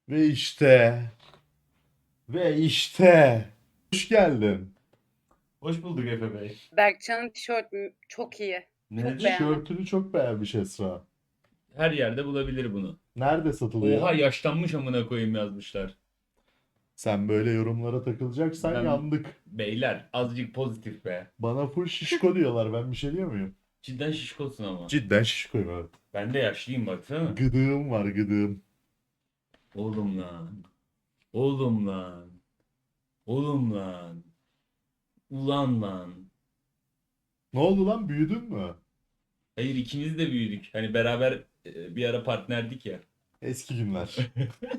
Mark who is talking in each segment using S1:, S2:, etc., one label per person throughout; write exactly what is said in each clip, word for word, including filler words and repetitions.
S1: Ve işte, ve işte. Hoş geldin.
S2: Hoş bulduk Efe Bey.
S3: Berkcan'ın tişörtü çok iyi. Çok
S2: Nedir?
S3: beğendim.
S1: Tişörtünü çok beğenmiş Esra.
S2: Her yerde bulabilir bunu.
S1: Nerede
S2: Oha
S1: satılıyor?
S2: yaşlanmış amına koyayım yazmışlar.
S1: Sen böyle yorumlara takılacaksan
S2: Ben
S1: yandık.
S2: beyler azıcık pozitif be.
S1: Bana full şişko diyorlar. Ben bir şey diyor muyum?
S2: Cidden şişkosun ama.
S1: Cidden şişkoyum, evet.
S2: Ben de yaşlıyım baksana.
S1: Gıdığım var, gıdığım.
S2: Oğlum lan. Oğlum lan. Oğlum lan. Ulan lan.
S1: Ne oldu lan? Büyüdün mü?
S2: Hayır ikimiz de büyüdük. Hani beraber e, bir ara partnerdik ya.
S1: Eski günler.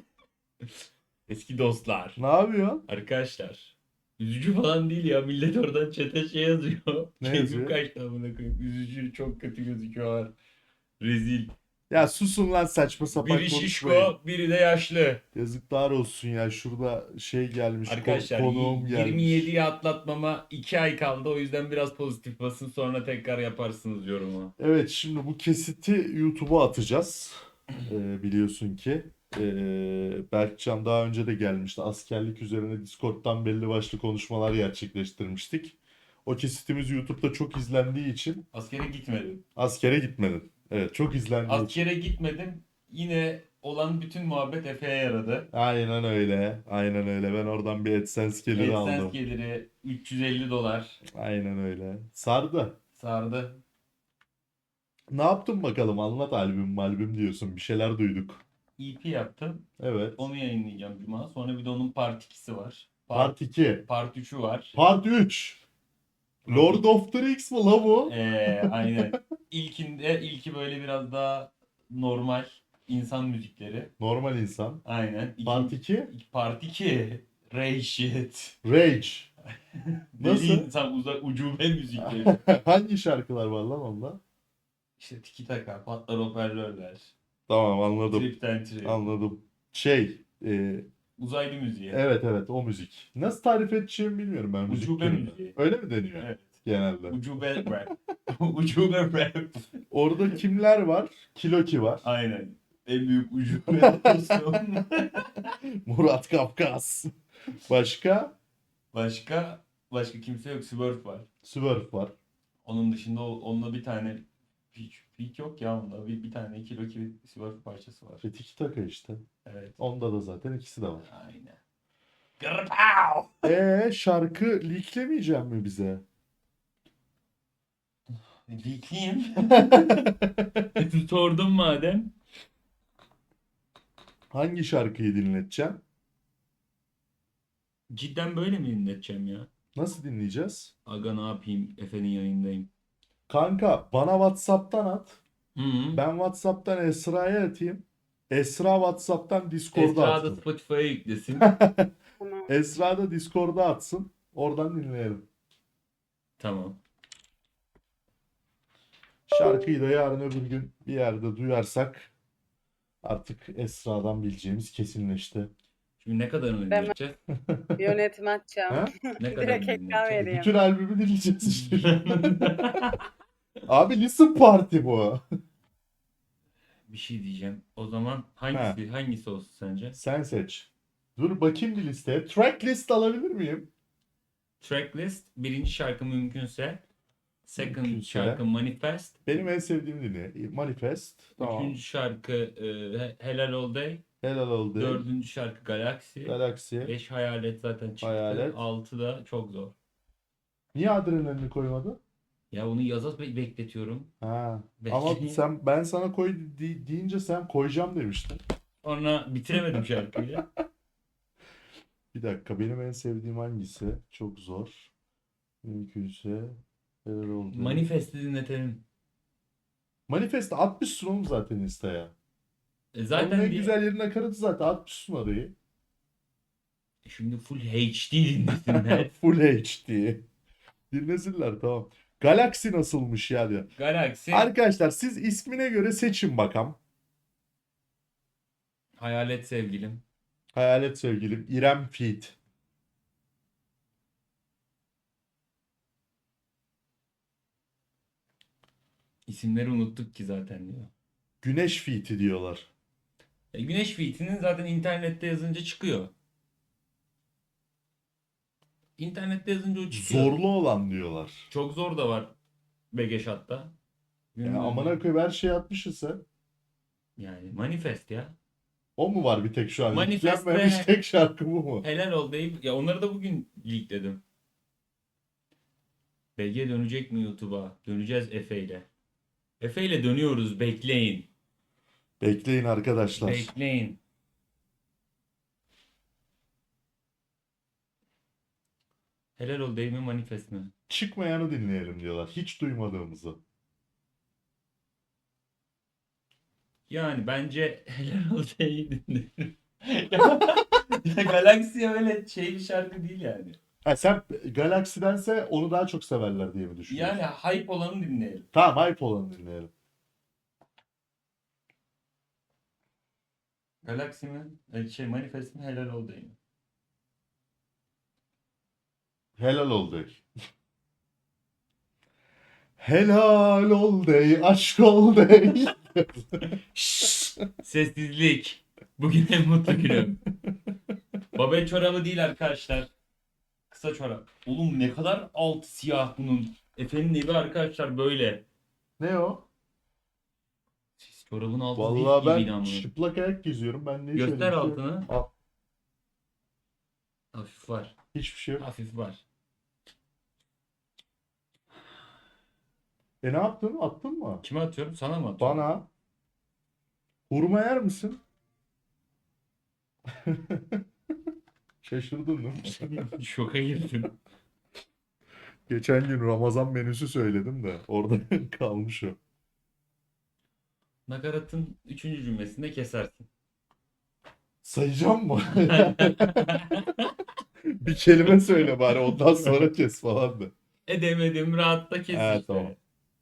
S2: Eski dostlar.
S1: Ne yapıyorsun?
S2: Arkadaşlar. Üzücü falan değil ya. Millet oradan çete şey yazıyor.
S1: Ne
S2: Keyfim
S1: yazıyor?
S2: kaçtı amına koyayım. Üzücü, çok kötü gözüküyorlar. Rezil.
S1: Ya susun lan, saçma sapan
S2: Biri
S1: konuşmayın.
S2: şişko, biri de yaşlı.
S1: Yazıklar olsun ya. Şurada şey gelmiş, ko-
S2: Arkadaşlar
S1: konuğum
S2: y-
S1: gelmiş.
S2: yirmi yediye atlatmama iki ay kaldı. O yüzden biraz pozitif basın sonra tekrar yaparsınız yorumu.
S1: Evet, şimdi bu kesiti YouTube'a atacağız. Ee, biliyorsun ki. Ee, Berkcan daha önce de gelmişti. Askerlik üzerine Discord'dan belli başlı konuşmalar gerçekleştirmiştik. O kesitimiz YouTube'da çok izlendiği için
S2: Askere gitmedim.
S1: askere gitmedin. Evet, çok izlendiği için.
S2: Askere gitmedim. Yine olan bütün muhabbet Efe'ye yaradı.
S1: Aynen öyle. Aynen öyle. Ben oradan bir AdSense geliri
S2: AdSense
S1: aldım.
S2: geliri üç yüz elli dolar
S1: Aynen öyle. Sardı.
S2: sardı.
S1: Ne yaptın bakalım? Anlat, albüm albüm diyorsun. Bir şeyler duyduk.
S2: E P yaptım.
S1: Evet.
S2: Onu yayınlayacağım Cuma. Sonra bir de onun part ikisi var. Part,
S1: Part iki.
S2: part üçü var.
S1: Part üç. Lord of the Rings mi la bu?
S2: Ee, aynen. İlkinde ilki böyle biraz daha normal insan müzikleri.
S1: Normal insan.
S2: Aynen.
S1: Part
S2: İkinci,
S1: iki.
S2: part iki. Ray shit.
S1: Rage.
S2: Deli
S1: Nasıl?
S2: insan uzak ucube müzikleri.
S1: Hangi şarkılar var lan onda?
S2: İşte tiki taka, patlar hoparlörler.
S1: Tamam, anladım.
S2: Tripten trip.
S1: Anladım. Şey. e,
S2: Uzaylı müziği.
S1: evet evet, o müzik. Nasıl tarif edeceğimi bilmiyorum ben müzik
S2: Ucube
S1: türünü.
S2: müziği.
S1: Öyle mi deniyor
S2: Evet.
S1: genelde?
S2: Ucube rap. Ucube rap.
S1: Orada kimler var? Kiloki var.
S2: Aynen. En büyük ucube dostum.
S1: Murat Kafkas. Başka?
S2: Başka başka kimse yok. Swerve var.
S1: Swerve var.
S2: Onun dışında o- onunla bir tane peak, peak yok ya onda. Bir, bir tane kilo ki Swerve parçası var.
S1: Ve Tiki Taka işte.
S2: Evet.
S1: Onda da zaten ikisi de var.
S2: Aynen. Gırpav!
S1: Ee şarkı leaklemeyecek mi bize?
S2: Leakleyeyim. Sordum madem.
S1: Hangi şarkıyı dinleteceğim?
S2: Cidden böyle mi dinleteceğim ya?
S1: Nasıl dinleyeceğiz?
S2: Aga ne yapayım? Efe'nin yayındayım.
S1: Kanka bana WhatsApp'tan at.
S2: Hı hı.
S1: Ben WhatsApp'tan Esra'ya atayım. Esra WhatsApp'tan Discord'a
S2: Esra da
S1: atsın.
S2: Spotify'a yüklesin.
S3: Bunu
S1: Esra da Discord'a atsın. Oradan dinleyelim.
S2: Tamam.
S1: Şarkıyı da yarın öbür gün bir yerde duyarsak artık Esra'dan bileceğimiz kesinleşti.
S2: Şimdi ne kadarını
S3: Ben-
S2: dinleteceğiz?
S3: yönetmen
S1: Ha?
S2: Ne
S3: Direkt
S2: kadarını
S3: ekran
S2: dinleteceğiz?
S3: vereyim.
S1: Bütün albümü dinleyeceğiz işte. Abi listen party bu.
S2: Bir şey diyeceğim. O zaman hangisi hangisi olsun sence?
S1: Sen seç. Dur bakayım bir listeye. Track list alabilir miyim?
S2: Tracklist birinci şarkı mümkünse. Second
S1: Mümkünse.
S2: şarkı Manifest.
S1: Benim en sevdiğim dinle. Manifest. Tamam.
S2: Üçüncü şarkı e, He- Helal All Day.
S1: Helal oldu.
S2: Dördüncü şarkı Galaxy.
S1: Galaxy.
S2: Beş Hayalet zaten çıktı.
S1: Hayalet.
S2: Altı da çok zor.
S1: Niye adrenalini koymadı?
S2: Ya onu yaza be- bekletiyorum.
S1: Ha.
S2: Belki.
S1: Ama sen ben sana koy de- deyince sen koyacağım demiştin.
S2: Sonra bitiremedim şarkıyı.
S1: Bir dakika, benim en sevdiğim hangisi? Çok zor. Mümkünse helal oldu.
S2: Manifest'i dinletelim.
S1: Manifest atmışsın oğlum zaten Insta'ya.
S2: E
S1: Onun
S2: zaten
S1: en
S2: bir-
S1: güzel yerine nakaratı zaten atmışsın orayı.
S2: Şimdi full H D dinlesinler.
S1: Full H D. Dinlesinler, tamam. Galaxy nasılmış ya diyor.
S2: Galaxy
S1: Arkadaşlar siz ismine göre seçin bakalım.
S2: Hayalet sevgilim.
S1: Hayalet sevgilim İrem Fit.
S2: İsimleri unuttuk ki zaten diyor.
S1: Güneş Fit'i diyorlar.
S2: E, güneş feed'inin zaten internette yazınca çıkıyor. İnternette yazınca o çıkıyor.
S1: Zorlu olan diyorlar.
S2: Çok zor da var Begeşat'ta.
S1: Ya
S2: Günümüzde.
S1: amına koyayım her şeyi atmışsın sen.
S2: Yani manifest ya.
S1: O mu var bir tek şu an?
S2: Manifest
S1: Yüklenmemiş
S2: ve-
S1: tek şarkı bu mu?
S2: Helal ol deyip ya onları da bugün leakledim. B G dönecek mi YouTube'a? Döneceğiz Efe ile. Efe ile dönüyoruz. Bekleyin.
S1: Bekleyin arkadaşlar.
S2: Bekleyin. Helal ol değil mi manifest mi?
S1: Çıkmayanı dinleyelim diyorlar. Hiç duymadığımızı.
S2: Yani bence helal ol değil dinlerim. Ya Galaxy öyle şey bir şarkı değil yani.
S1: Ha, sen Galaxy'dense onu daha çok severler diye mi düşünüyorsun?
S2: Yani hype olanı dinleyelim.
S1: Tamam, hype olanı dinleyelim.
S2: Galaxy mi? E, Şey manifest mi? Helal ol değil mi?
S1: Helal ol dey. Helal ol dey, aşk ol dey.
S2: Şşş, sessizlik. Bugün en mutlu günüm. Babel çorabı değil arkadaşlar. Kısa çorap. Oğlum ne kadar alt siyah bunun. Efe'nin evi arkadaşlar böyle.
S1: Ne o?
S2: Siz çorabın altı
S1: Vallahi
S2: değil gibiydi
S1: ben
S2: ama.
S1: çıplak ayak geziyorum. Ben ne
S2: Göster
S1: söyleyeyim ki?
S2: altını.
S1: Al,
S2: Hafif var.
S1: hiçbir şey yok.
S2: Hafif var.
S1: E ne yaptın? Attın mı?
S2: Kime atıyorum? Sana mı atıyorum?
S1: Bana. Hurma yer misin? Şaşırdın değil mi?
S2: Şoka girdim.
S1: Geçen gün Ramazan menüsü söyledim de orada kalmış o.
S2: Nakaratın üçüncü cümlesinde kesersin.
S1: Sayacağım mı? Bir kelime söyle bari ondan sonra kes falan da.
S2: Edemedim rahatta kes
S1: Evet,
S2: işte.
S1: tamam.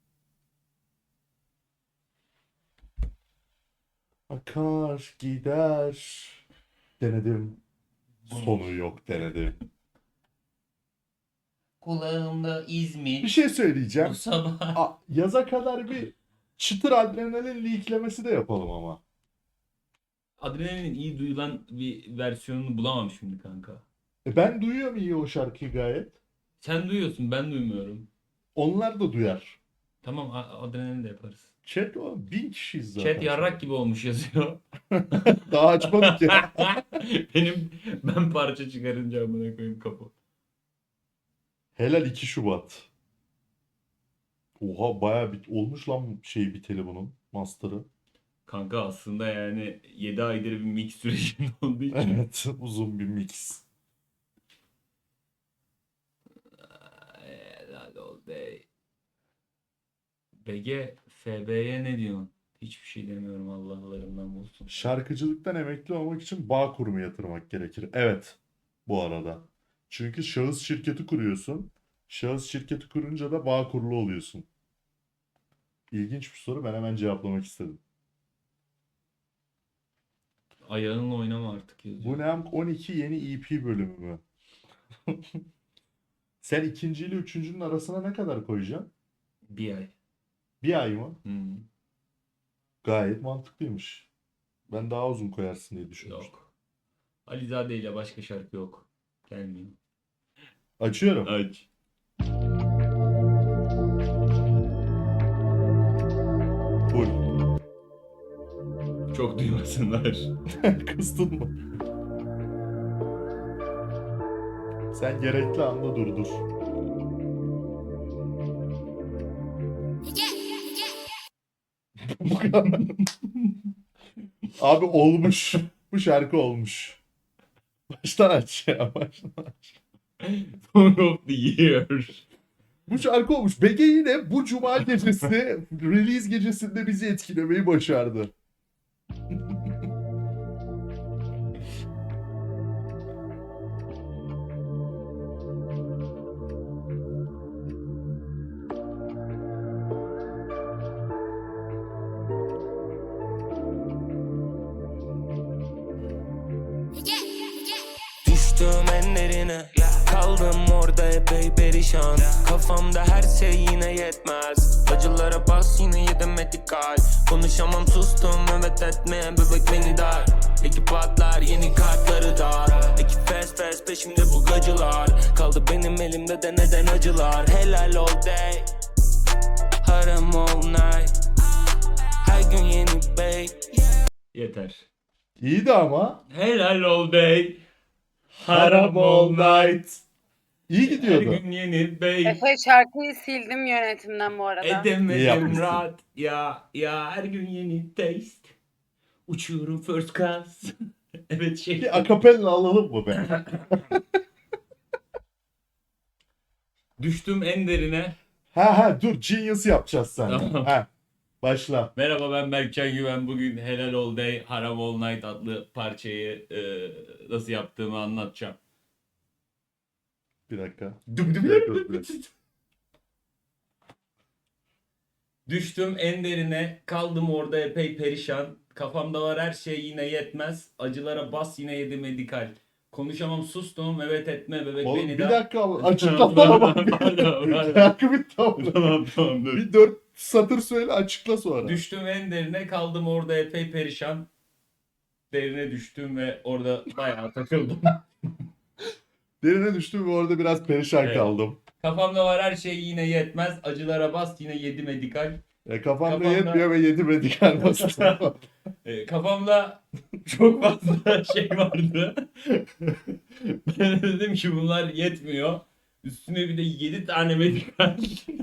S1: Akar gider. Denedim. Sonu yok denedim.
S2: Kulağımda İzmir.
S1: Bir şey söyleyeceğim.
S2: Bu sabah.
S1: A, yaza kadar bir çıtır adrenalin leaklemesi de yapalım ama.
S2: Adrenalin iyi duyulan bir versiyonunu bulamam şimdi kanka.
S1: E ben duyuyorum iyi o şarkıyı gayet.
S2: Sen duyuyorsun ben duymuyorum.
S1: Onlar da duyar.
S2: Tamam a- adrenalin de yaparız.
S1: Chat o bin kişiyiz zaten.
S2: Chat yarrak gibi olmuş yazıyor.
S1: Daha açmadık ya.
S2: Benim ben parça çıkarınca amına koyayım kapı.
S1: Helal iki Şubat. Oha bayağı bit olmuş lan şey biteli bunun master'ı.
S2: Kanka aslında yani yedi aydır bir mix sürecinde olduğu için.
S1: Evet uzun bir mix.
S2: Helal ol dey. B G, F B'ye ne diyorsun? Hiçbir şey demiyorum Allah'larından bulsun.
S1: Şarkıcılıktan emekli olmak için bağ kurumu yatırmak gerekir. Evet bu arada. Çünkü şahıs şirketi kuruyorsun. Şahıs şirketi kurunca da bağ kurulu oluyorsun. İlginç bir soru, ben hemen cevaplamak istedim.
S2: Ayağınla oynama artık
S1: Bu
S2: yazıyor.
S1: ne hem on iki yeni E P bölümü mü? Sen ikinci ile üçüncünün arasına ne kadar koyacaksın?
S2: Bir ay.
S1: Bir ay mı?
S2: Hmm.
S1: Gayet mantıklıymış. Ben daha uzun koyarsın diye düşünmüştüm.
S2: Yok. Alizade ile başka şarkı yok. Gelmiyor.
S1: Açıyorum.
S2: Aç.
S1: Full.
S2: Çok duymasınlar.
S1: Kıstın mı? Sen gerekli anda durdur. Bu kadar. Abi olmuş. Bu şarkı olmuş. Baştan aç ya. Baştan aç.
S2: Song of the Year.
S1: Bu şarkı olmuş. B G yine bu cuma gecesi release gecesinde bizi etkilemeyi başardı.
S4: Düştüm enlerine, kaldım orada epey perişan. Kafamda her şey yine yetmez. Acılara bas yine yedim medikal. Konuşamam sustum evet etme bebek beni dar. Ekip patlar yeni kartları dar. Ekip fast fast peşimde bu gacılar. Kaldı benim elimde de neden acılar. Helal all day, haram all night. Her gün yeni bey.
S2: Yeter.
S1: İyiydi ama.
S2: Helal all day.
S1: Haram all night. İyi
S2: Her
S1: gidiyordu.
S2: gün yeni bey.
S3: Efe şarkıyı sildim yönetimden bu arada.
S1: İyi
S2: Edemedim
S1: yapmışsın.
S2: rahat. Ya ya her gün yeni taste. Uçuyorum first class. Evet şey.
S1: Bir akapella alalım mı be?
S2: Düştüm en derine.
S1: Ha ha dur Genius yapacağız sen.
S2: Tamam.
S1: Ha. Başla.
S2: Merhaba ben Berkcan Güven. Bugün Helal All Day, Haram All Night adlı parçayı e, nasıl yaptığımı anlatacağım.
S1: Bir dakika.
S2: Düm düm
S1: Bir dakika, bir dakika.
S2: Düştüm en derine, kaldım orada epey perişan. Kafamda var her şey yine yetmez. Acılara bas yine yedi medikal. Konuşamam sustum evet etme bebek
S1: Oğlum
S2: beni
S1: bir
S2: de.
S1: dakika açıklasana bak.
S2: Pardon, pardon.
S1: Şarkı bitti ama.
S2: Tamam tamam dur.
S1: Bir dört satır söyle açıkla sonra.
S2: Düştüm en derine, kaldım orada epey perişan. Derine düştüm ve orada bayağı takıldım.
S1: Derine düştüm ve orada biraz perişan
S2: Evet.
S1: kaldım.
S2: Kafamda var her şey yine yetmez. Acılara bas yine yedi medikal.
S1: E, kafamda,
S2: Kafamda-
S1: yetmiyor ve yedi medikal basıyor.
S2: E, kafamda çok fazla şey vardı. Ben de dedim ki bunlar yetmiyor. Üstüne bir de yedi tane medikal.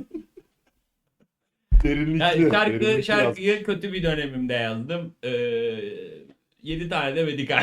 S1: Derinlikli.
S2: Yani şarkı,
S1: derinlikli
S2: şarkıyı kötü bir dönemimde yazdım. Ee, yedi tane de medikal.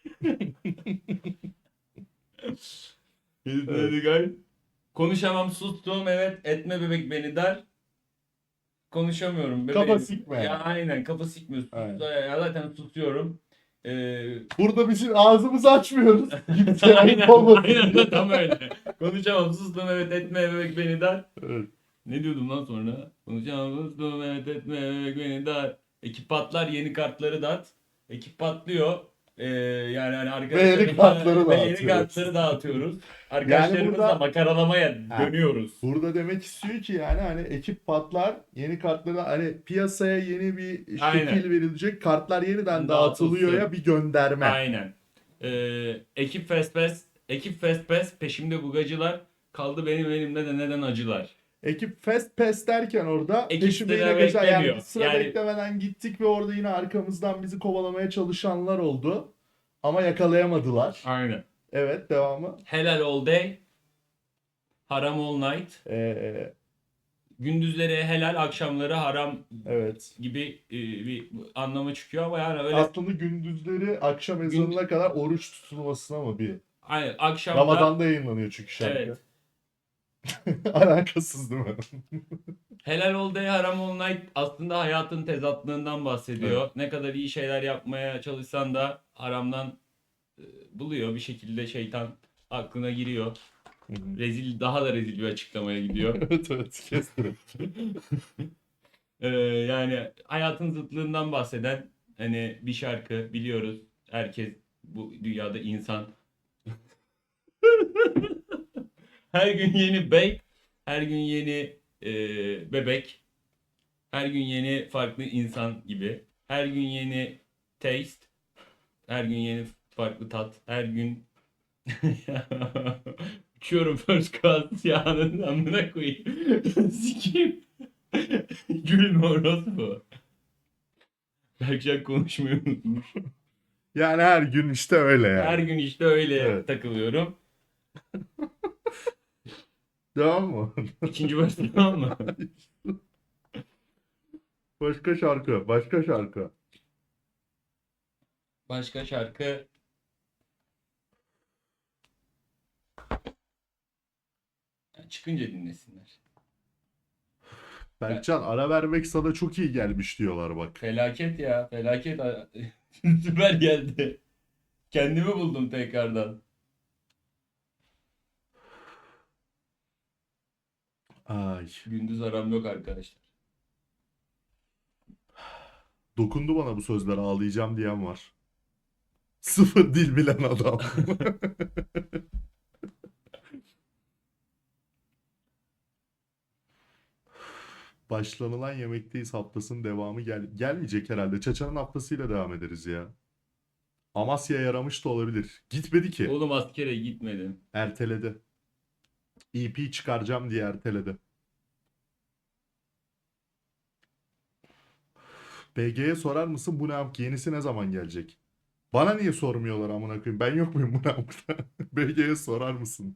S2: yedi tane
S1: Evet.
S2: medikal. Konuşamam sustum evet etme bebek beni dar. Konuşamıyorum bebeğim.
S1: Kafa sikme
S2: Ya
S1: yani.
S2: aynen kafa sikmiyor. Sus-
S1: Aynen.
S2: Ya zaten susuyorum. Ee,
S1: Burada bizim ağzımızı açmıyoruz. Kimseye
S2: aynen,
S1: ayıp olmasın.
S2: aynen de tam öyle. Konuşamam sustum evet etme bebek beni dar.
S1: Evet.
S2: Ne diyordum lan sonra? Konuşamam sustum evet etme bebek beni dar. Ekip patlar yeni kartları dat. Ekip patlıyor. Ee, yani hani arkadaşlarımızla
S1: yeni kartları
S2: ve yeni
S1: dağıtıyoruz.
S2: kartları dağıtıyoruz. Arkadaşlarımızla
S1: burada-
S2: makaralamaya
S1: Ha.
S2: dönüyoruz.
S1: Burada demek istiyor ki yani hani ekip patlar, yeni kartları hani piyasaya yeni bir şekil
S2: Aynen.
S1: verilecek, kartlar yeniden
S2: Dağıtılsın.
S1: dağıtılıyor ya bir gönderme.
S2: Aynen. Ee, ekip fast pass, ekip fast pass peşimde bugacılar. Kaldı benim elimde de neden acılar.
S1: Ekip fast pass derken orada
S2: Ekip
S1: peşime
S2: sıra
S1: yine geçen yani
S2: beklemiyor.
S1: biz sıra
S2: Yani-
S1: beklemeden gittik ve orada yine arkamızdan bizi kovalamaya çalışanlar oldu. Ama yakalayamadılar.
S2: Aynen.
S1: Evet devamı.
S2: Helal all day. Haram all night.
S1: Ee,
S2: Gündüzleri helal, akşamları haram
S1: evet.
S2: gibi e, bir anlama çıkıyor ama yani öyle
S1: Aslında gündüzleri akşam ezanına kadar oruç tutulmasına mı bir?
S2: aynen akşamda
S1: Ramazan'da yayınlanıyor çünkü şarkı.
S2: evet.
S1: Alakasız değil mi?
S2: Helal all day, haram all night aslında hayatın tezatlığından bahsediyor. Ne kadar iyi şeyler yapmaya çalışsan da haramdan e, buluyor bir şekilde şeytan aklına giriyor. Rezil daha da rezil bir açıklamaya gidiyor.
S1: Evet evet kestim.
S2: Ee, yani hayatın zıtlığından bahseden hani bir şarkı biliyoruz. Herkes bu dünyada insan. Her gün yeni bey, her gün yeni e, bebek, her gün yeni farklı insan gibi. Her gün yeni taste, her gün yeni farklı tat, her gün uçuyorum first class yağının amına koyayım. Sikeyim. Gülme orospu. Berkcan konuşmayı unutmuş.
S1: Yani her gün işte öyle yani.
S2: Her gün işte öyle
S1: Evet.
S2: takılıyorum.
S1: Devam mı?
S2: İkinci versi tamam mı?
S1: Başka şarkı, başka şarkı.
S2: Başka şarkı. Ya çıkınca dinlesinler.
S1: Berkcan ara vermek sana çok iyi gelmiş diyorlar bak.
S2: Felaket ya. Felaket. Süper geldi. Kendimi buldum tekrardan.
S1: Ay.
S2: Gündüz aram yok arkadaşlar.
S1: Dokundu bana bu sözler ağlayacağım diyen var. Sıfır dil bilen adam. Başlanılan yemekteyiz haftasının devamı gel gelmeyecek herhalde. Çaça'nın haftasıyla devam ederiz ya. Amasya yaramış da olabilir. Gitmedi ki.
S2: Oğlum askere gitmedim.
S1: Erteledi. E P çıkaracağım diye erteledi. B G'ye sorar mısın bu ne amk yenisi ne zaman gelecek? Bana niye sormuyorlar amına koyayım? Ben yok muyum bu ne amkta? B G'ye sorar mısın?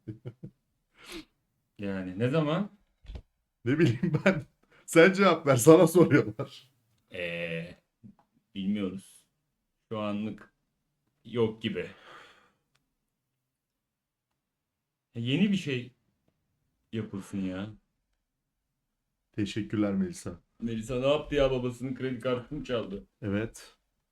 S2: Yani ne zaman?
S1: Ne bileyim ben. Sen cevap ver sana soruyorlar.
S2: Eee bilmiyoruz. Şu anlık yok gibi. Yeni bir şey yapılsın ya.
S1: Teşekkürler Melisa.
S2: Melisa ne yaptı ya, babasının kredi kartını çaldı.
S1: Evet.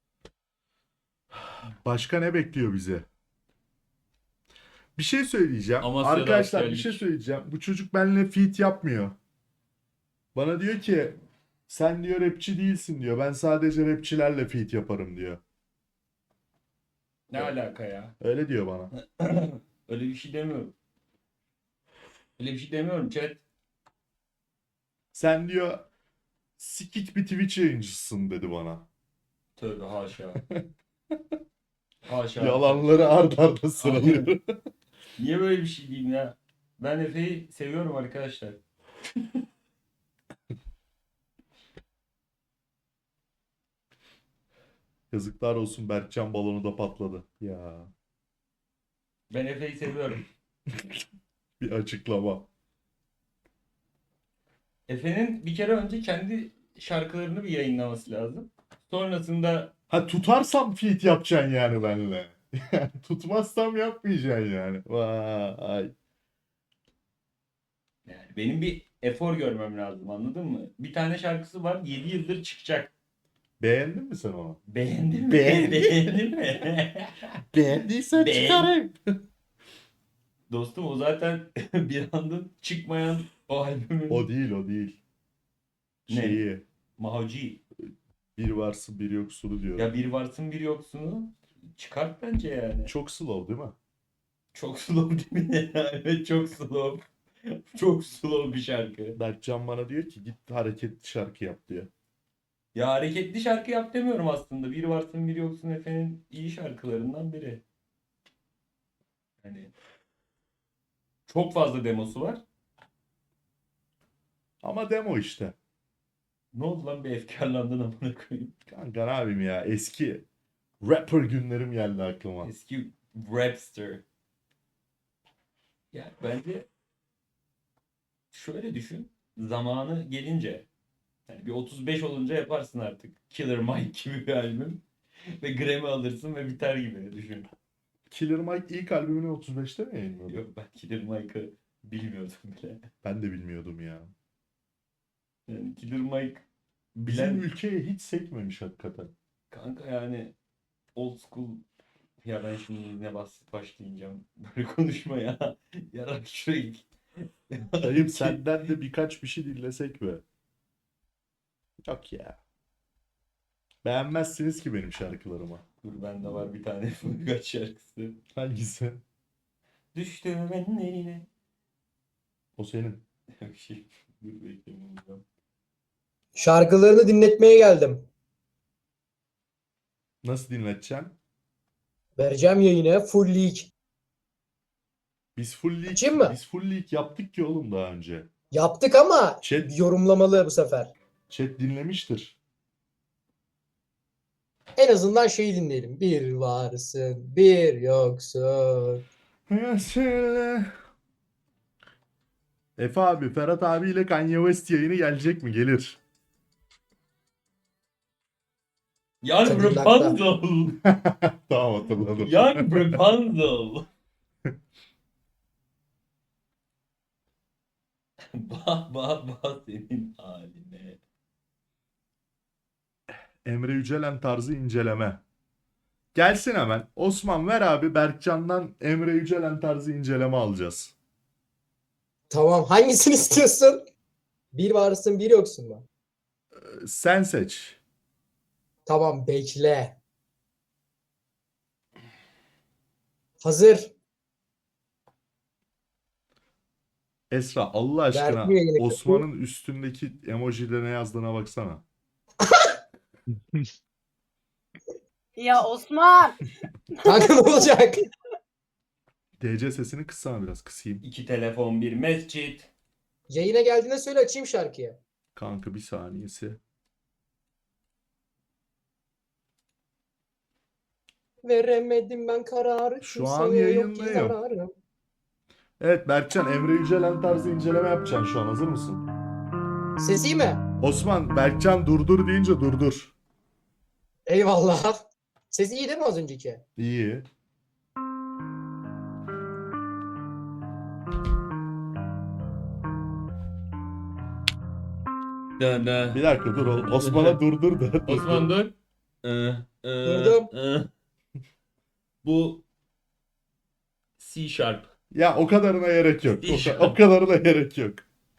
S1: Başka ne bekliyor bize? Bir şey söyleyeceğim.
S2: Amasya'da
S1: Arkadaşlar bir
S2: askerlik.
S1: şey söyleyeceğim. Bu çocuk benimle feat yapmıyor. Bana diyor ki sen diyor rapçi değilsin diyor. Ben sadece rapçilerle feat yaparım diyor.
S2: Ne alaka ya?
S1: Öyle diyor bana.
S2: Öyle bir şey demiyorum. Öyle bir şey demiyorum chat.
S1: Sen diyor sikik bir Twitch yayıncısın dedi bana.
S2: Tövbe haşa. Haşa.
S1: Yalanları ard arda sıralıyor.
S2: Niye böyle bir şey diyeyim ya? Ben Efe'yi seviyorum arkadaşlar.
S1: Yazıklar olsun Berkcan balonu da patladı. Ya
S2: Ben Efe'yi seviyorum.
S1: bir açıklama.
S2: Efe'nin bir kere önce kendi şarkılarını bir yayınlaması lazım. Sonrasında
S1: Ha tutarsam feat yapacaksın yani benimle. Yani tutmazsam yapmayacaksın yani. Vay.
S2: yani benim bir efor görmem lazım, anladın mı? Bir tane şarkısı var, yedi yıldır çıkacak.
S1: Beğendin mi sen onu?
S2: Beğendin mi?
S1: Beğendim.
S2: Beğendin mi?
S1: Beğendiysen
S2: Beğen-
S1: çıkarayım.
S2: Dostum o zaten bir anda çıkmayan o albümün
S1: O değil o değil.
S2: Ne?
S1: Şeyi
S2: Mahoci.
S1: bir varsın bir yoksunu diyor.
S2: Ya bir varsın bir yoksunu çıkart bence yani.
S1: Çok slow değil mi?
S2: Çok slow değil mi? Evet çok slow. Çok slow bir şarkı.
S1: Berkcan bana diyor ki git hareketli şarkı yap diyor.
S2: Ya hareketli şarkı yap demiyorum aslında. Bir varsın bir yoksun Efe'nin iyi şarkılarından biri. Hani çok fazla demosu var.
S1: Ama demo işte.
S2: Ne oldu lan, bir efkarlandın amına koyayım.
S1: Kanka ne yapayım ya eski rapper günlerim geldi aklıma.
S2: Eski rapster. Ya bence şöyle düşün. Zamanı gelince yani bir otuz beş olunca yaparsın artık. Killer Mike gibi bir albüm. Ve Grammy alırsın ve biter gibi düşün.
S1: Killer Mike ilk albümünü otuz beşte mi yayınladı?
S2: Yok, ben Killer Mike'ı bilmiyordum bile.
S1: Ben de bilmiyordum ya.
S2: Yani Killer Mike
S1: Bizim
S2: bilen
S1: ülkeye hiç sekmemiş hakikaten.
S2: kanka yani old school. Ya ben şimdi ne basit başlayacağım böyle konuşmaya. Yarak şuraya git.
S1: Dayım senden de birkaç bir şey dinlesek mi? Yok ya. Beğenmezsiniz ki benim şarkılarımı.
S2: Dur bende var bir tane birkaç şarkısı.
S1: Hangisi?
S2: Düştüm ben eline.
S1: O senin.
S2: Bir şey. Dur bekleyin.
S5: Şarkılarını dinletmeye geldim.
S1: Nasıl dinleteceksin?
S5: Vereceğim yayına full league.
S1: Biz full league,
S5: Açayım mı?
S1: biz full league yaptık ki oğlum daha önce.
S5: Yaptık ama
S1: Chat,
S5: yorumlamalı bu sefer.
S1: chat dinlemiştir.
S5: En azından şeyi dinleyelim. Bir varsın, bir yoksun.
S1: Efe abi, Ferhat abiyle Kanye West yayını gelecek mi? Gelir.
S2: Young
S5: Cadillac'ta.
S2: Rapunzel.
S1: Tamam hatırladım.
S2: Young Rapunzel. Bah bah bah senin haline.
S1: Emre Yücelen tarzı inceleme. Gelsin hemen. Osman ver abi, Berkcan'dan Emre Yücelen tarzı inceleme alacağız.
S5: Tamam, hangisini istiyorsun? Bir varsın, bir yoksun mu?
S1: Ee, Sen seç.
S5: Tamam, bekle. Hazır.
S1: Esra Allah aşkına
S5: Vermiyor yine.
S1: Osman'ın üstündeki emojiyle ne yazdığına baksana.
S3: Ya Osman.
S5: Kanka ne olacak?
S1: D C sesini kıssana biraz, kısayım.
S2: İki telefon, bir mescit.
S5: Yayına geldiğinde söyle açayım şarkıyı.
S1: Kanka bir saniyesi.
S5: Veremedim ben kararı.
S1: Şu an
S5: kimseye yok ki
S1: yayındayım.
S5: zararım.
S1: Evet Berkcan, Emre Yücelen tarzı inceleme yapacaksın şu an, hazır mısın?
S5: Ses iyi mi?
S1: Osman, Berkcan durdur deyince durdur.
S5: Eyvallah. Ses iyi değil mi az önceki?
S1: İyi.
S2: Da, da.
S1: Bir dakika dur oğlum. Osman'a durdur da.
S2: Osman dur. Ee, e,
S5: Durdum.
S2: e. Bu C sharp.
S1: Ya o kadarına gerek yok. O,
S2: İyi.
S1: ka- o kadarına gerek yok.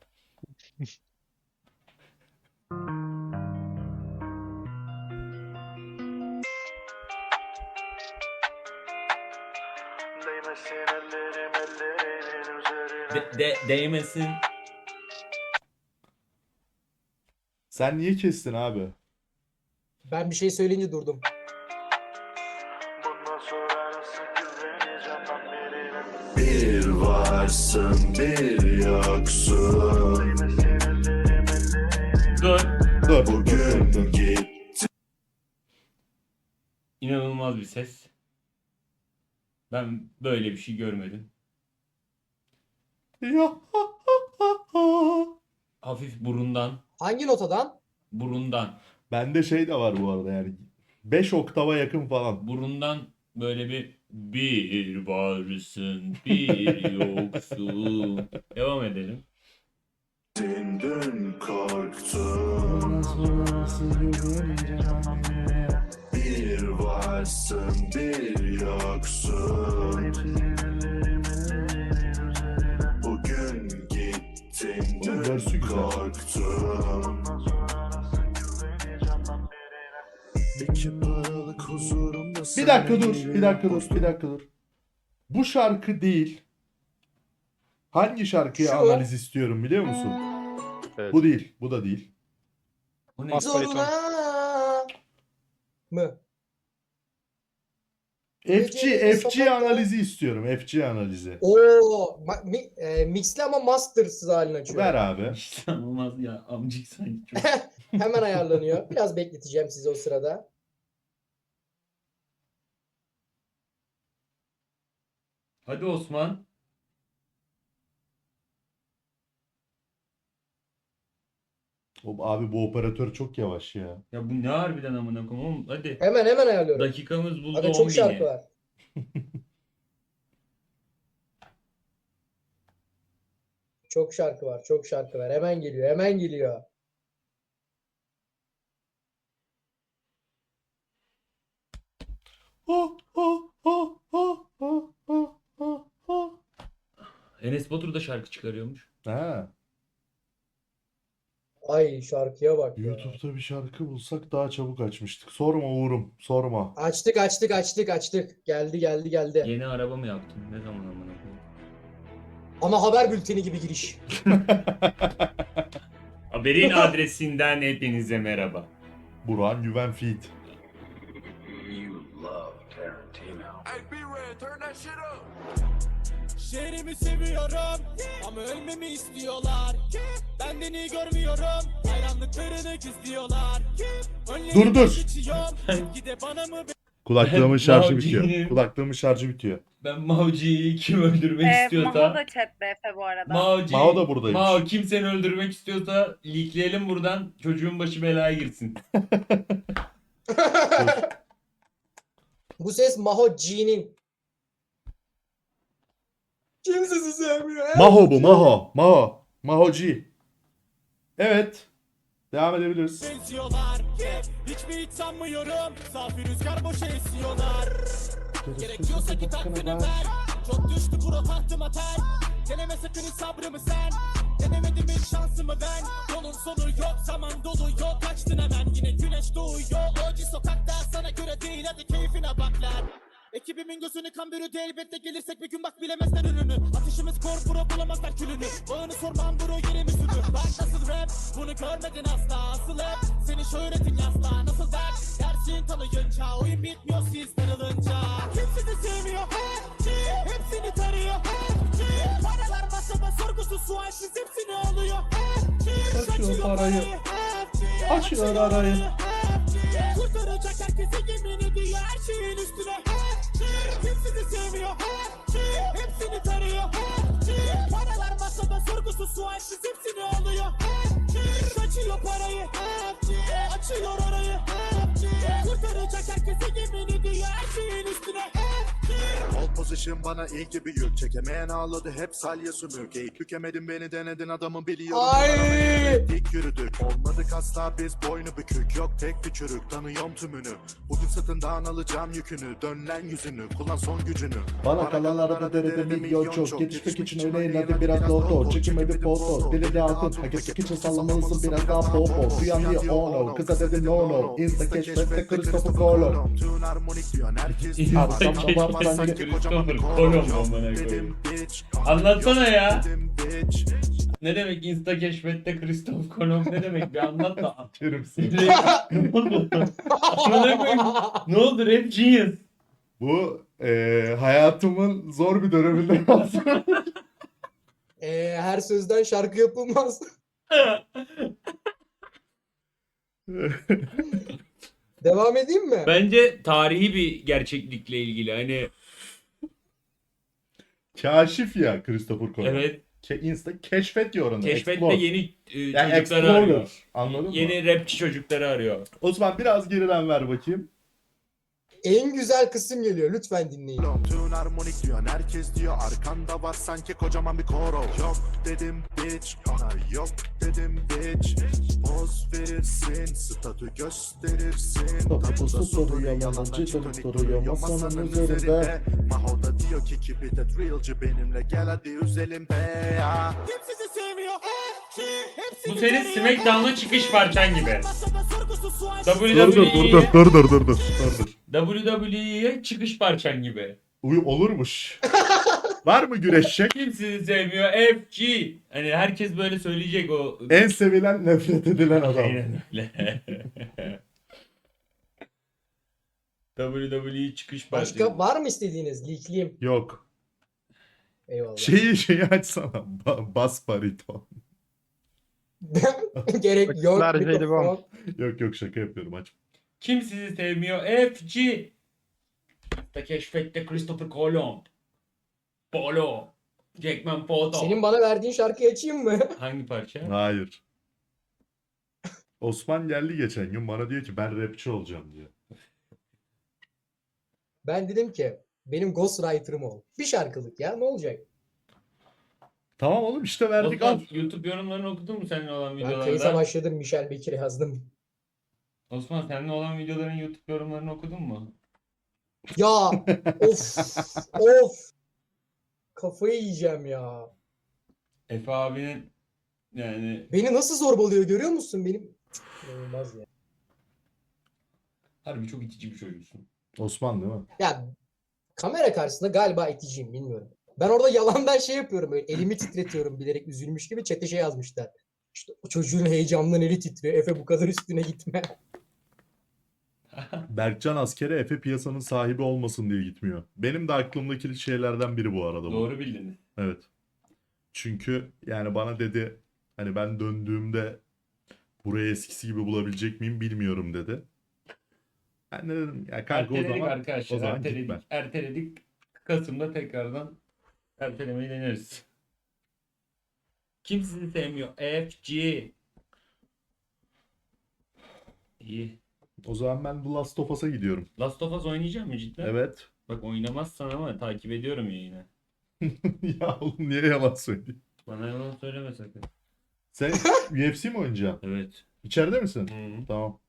S2: De, de, değmesin.
S1: Sen niye kestin abi?
S5: Ben bir şey söyleyince durdum.
S6: Bir varsın bir yoksun.
S2: Dur.
S1: Dur. dur,
S6: Bugün
S1: dur, dur.
S6: git.
S2: İnanılmaz bir ses. Ben böyle bir şey görmedim.
S1: Ya.
S2: Hafif burundan.
S5: Hangi notadan?
S2: Burundan.
S1: Bende şey de var bu arada yani. beş oktava yakın falan.
S2: Burundan böyle bir bir varsın bir yoksun. Devam edelim.
S6: Dün korktum. Bir varsın bir yoksun. Bugün gittin
S1: Oğlum, versi
S6: dün
S1: güzel.
S6: korktum. İki paralık huzurumda
S1: Bir dakika dur. Bir dakika dur. Bir dakika dur. Bu şarkı değil. Hangi şarkıyı
S5: Şu.
S1: analiz istiyorum biliyor musun?
S7: Evet.
S1: Bu değil. Bu da değil.
S2: Bu ne?
S7: Bas bariton.
S5: Zorla mı?
S1: F G,
S5: Gece
S1: F G
S5: sokakta-
S1: analizi istiyorum. F G analizi.
S5: Oo, ma- mi- e, mixli ama mastersız halini açıyor.
S1: Ver abi.
S2: Olmaz ya amcık sanki çok.
S5: Hemen ayarlanıyor. Biraz bekleteceğim sizi o sırada.
S2: Hadi Osman.
S1: O- Abi bu operatör çok yavaş ya.
S2: Ya bu ne harbiden amına koyayım oğlum. Hadi.
S5: Hemen hemen ayarlıyorum.
S2: Dakikamız buldu
S5: Aga
S2: on
S5: çok şarkı
S2: bini.
S5: var. Çok şarkı var, çok şarkı var. Hemen geliyor, hemen geliyor.
S1: Oh, oh, oh, oh, oh, oh, oh, oh.
S2: Enes Batur da şarkı çıkarıyormuş.
S1: Ha,
S5: Ay şarkıya bak ya.
S1: YouTube'da bir şarkı bulsak daha çabuk açmıştık. Sorma Uğur'um, sorma.
S5: Açtık, açtık, açtık, açtık. Geldi, geldi, geldi.
S2: Yeni araba mı yaptın? Ne zaman amına koyayım?
S5: Ana haber bülteni gibi giriş.
S2: Haberin adresinden hepinize merhaba.
S1: Burhan Güven Feed.
S8: Şehrimi seviyorum ama ölmemi istiyorlar. Benden iyi görmüyorum, hayranlıklarını gizliyorlar.
S1: Dur, dur.
S8: Gide bana mı
S1: Kulaklığımın
S2: Ben
S1: şarjı
S2: Mavci'yim.
S1: bitiyor. Kulaklığımın şarjı bitiyor.
S2: Ben Mavci'yi kim öldürmek
S3: Ee,
S2: istiyorsa...
S3: Maho da chatte Efe bu arada.
S2: Mavci,
S1: Mao da buradaymış.
S2: Mao kim seni öldürmek istiyorsa leakleyelim buradan. Çocuğun başı belaya girsin.
S5: Bu ses Maho G'nin. Kimse sizi sevmiyor.
S1: Maho bu, Maho. Maho. Maho G. Evet. Devam edebiliriz.
S8: benziyorlar? Hiç mi hiç sanmıyorum, safi rüzgar boşa esiyorlar. Gerekiyorsa git hakkını ver. Çok düştü bro tahtıma tel. Deneme sakın hiç sabrımı sen. Denemedim hiç şansımı ben. Yolun sonu yok, zaman dolu yok. Kaçtın hemen, yine güneş doğuyor. Oji sokakta sana göre değil, hadi keyfine bak lan. Ekibimin gözünü kan bürüdü elbette gelirsek bir gün bak bilemezler ürünü. Atışımız kor bro bulamazlar külünü. Bağını sormam bro yerimiz ünlü. Bak nasıl rap bunu görmedin asla. Asıl hep senin şöhretin yasla. Nasıl dert dersin tanıyınca. Oyun bitmiyor siz darılınca. Kim sizi sevmiyor hepsi. Hepsini tarıyor hepsi. Paralar masada sorgusuz sualsiz hepsini alıyor hepsi.
S1: Açıyor parayı.
S8: hepsi.
S1: Açıyor arayı.
S8: Kurtaracak herkese yemin ediyor her şeyin üstüne hepsi. Kim sizi sevmiyor hepsi. Hepsini tarıyor hepsi. Paralar masada sorgusuz sualsiz hepsini alıyor hepsi. Saçıyor parayı hepsi. Açıyor orayı hepsi. Kurtaracak herkese yemin ediyor her şeyin üstüne hepsi.
S6: Hold position bana ilk gibi yük. Çekemeyen ağladı hep salya sümük. Eğip bükemedin beni denedin adamı biliyorum.
S5: Ay!
S6: Dik yürüdük. Olmadık asla biz boynu bükük. Yok tek bir çürük tanıyorum tümünü. Bugün sırtından alacağım yükünü. Dön lan yüzünü kullan son gücünü.
S1: Bana kalan arada derede milyon çok. Yetişmek için öyle inadı biraz loto. Çekimedi foto. Dili de altın. Herkes için sallamalısın biraz daha popo. Duyan diye ono. Kıza dedi no no. Insta keşfette Christopher Colon.
S6: Tüm harmonik diyorsun herkes
S2: Insta
S6: diyor.
S2: keşfette
S6: Arkam var
S2: Christopher
S6: sanki kocaman bir
S2: Colon
S6: kolon.
S2: amına
S6: Yok
S2: koyayım.
S6: dedim bitch.
S2: Anlatsana ya.
S6: Dedim bitch.
S2: Ne demek Insta keşfette Christoph Kolomb ne demek bir anlat da.
S1: Kerim seni.
S2: ne oldu? Amına koyayım. Ne oldu Rap Genius?
S1: Bu eee, hayatımın zor bir döneminde yazdım.
S5: Ee, her sözden şarkı yapılmaz. Devam edeyim mi?
S2: Bence tarihi bir gerçeklikle ilgili hani
S1: Kaşif ya Christopher Colon.
S2: evet
S1: Ke Insta keşfet diyor onu.
S2: keşfette
S1: Explore.
S2: yeni e,
S1: Yani
S2: çocukları arıyor.
S1: Explorer. Anladın mı?
S2: Yeni rapçi çocukları arıyor.
S1: Osman biraz geriden ver bakayım.
S5: En güzel kısım geliyor. Lütfen dinleyin.
S6: Tüm harmonik diyorsun herkes diyor. Arkanda var sanki kocaman bir koro. Yok dedim bitch. Ona yok dedim bitch. Poz verirsin. Statü gösterirsin.
S1: Tapusu
S6: Tapuda
S1: soruyor,
S6: yalan
S1: yalan
S6: açık
S1: cidden
S6: dönük
S1: soruyor,
S6: duruyor
S1: masanın üzerinde.
S6: Maho da diyor ki keep it at realci benimle gel hadi üzelim be ya.
S8: Kim sizi sevmiyor hepsi. Hepsini
S2: Bu senin
S8: tarıyor
S2: Smackdown'a çıkış parçan gibi.
S8: Masada sorgusuz sualsiz
S2: W W E'ye
S1: dur dur dur dur.
S2: W W E'ye çıkış parçan gibi.
S1: Uy olurmuş. Var mı güreşecek?
S2: Kim sizi sevmiyor? F G. Hani herkes böyle söyleyecek o.
S1: En sevilen nefret edilen adam.
S2: Aynen öyle. W W E çıkış parçası.
S5: Başka var mı istediğiniz? Leakleyeyim.
S1: Yok.
S5: Eyvallah.
S1: Şeyi şeyi açsana. Ba- bas bariton.
S5: Gerek yok.
S7: Ver jelibon.
S5: Mikrofon.
S1: Yok yok şaka yapıyorum aç.
S2: Kim sizi sevmiyor? F G. Da keşfette Christopher Colomb. Polo. Jackman Photo.
S5: Senin bana verdiğin şarkıyı açayım mı?
S2: Hangi parça?
S1: Hayır. Osman geldi geçen gün bana diyor ki ben rapçi olacağım diyor.
S5: Ben dedim ki benim ghostwriter'ım ol. Bir şarkılık ya ne olacak?
S1: Tamam oğlum işte verdik al.
S2: Osman, YouTube yorumlarını okudun mu seninle olan
S5: Ben kayıta
S2: videolarda?
S5: başladım. Michel Bekir'e yazdım.
S2: Osman seninle olan videoların YouTube yorumlarını okudun mu?
S5: Ya of of. Kafayı yiyeceğim ya.
S2: Efe abinin yani
S5: Beni nasıl zorbalıyor görüyor musun benim? İnanılmaz ya.
S2: harbi çok itici bir çocuksun.
S1: Osman değil mi?
S5: Ya kamera karşısında galiba iticiyim bilmiyorum. Ben orada yalandan şey yapıyorum böyle elimi titretiyorum bilerek üzülmüş gibi chat'e şey yazmışlar. İşte o çocuğun heyecanından eli titriyor. Efe bu kadar üstüne gitme.
S1: Berkcan askere Efe piyasanın sahibi olmasın diye gitmiyor. Benim de aklımdaki şeylerden biri bu arada bu.
S2: Doğru bildiniz.
S1: Evet. Çünkü yani bana dedi hani ben döndüğümde burayı eskisi gibi bulabilecek miyim bilmiyorum dedi. Ben de dedim ya kanka o
S2: Erteledik
S1: zaman
S2: arkadaşlar.
S1: o zaman
S2: erteledik.
S1: gitme.
S2: Erteledik. Kasım'da tekrardan ertelemeyi deneriz. Kim sizi sevmiyor? F G. İyi.
S1: O zaman ben The Last of Us'a gidiyorum.
S2: Last of Us oynayacak mı cidden?
S1: Evet.
S2: Bak oynamazsan ama takip ediyorum yine.
S1: Ya oğlum niye yalan söyleyeyim?
S2: Bana yalan söyleme sakın.
S1: Sen U F C mi oynayacaksın?
S2: Evet.
S1: İçeride misin?
S2: Hı -hı.
S1: Tamam.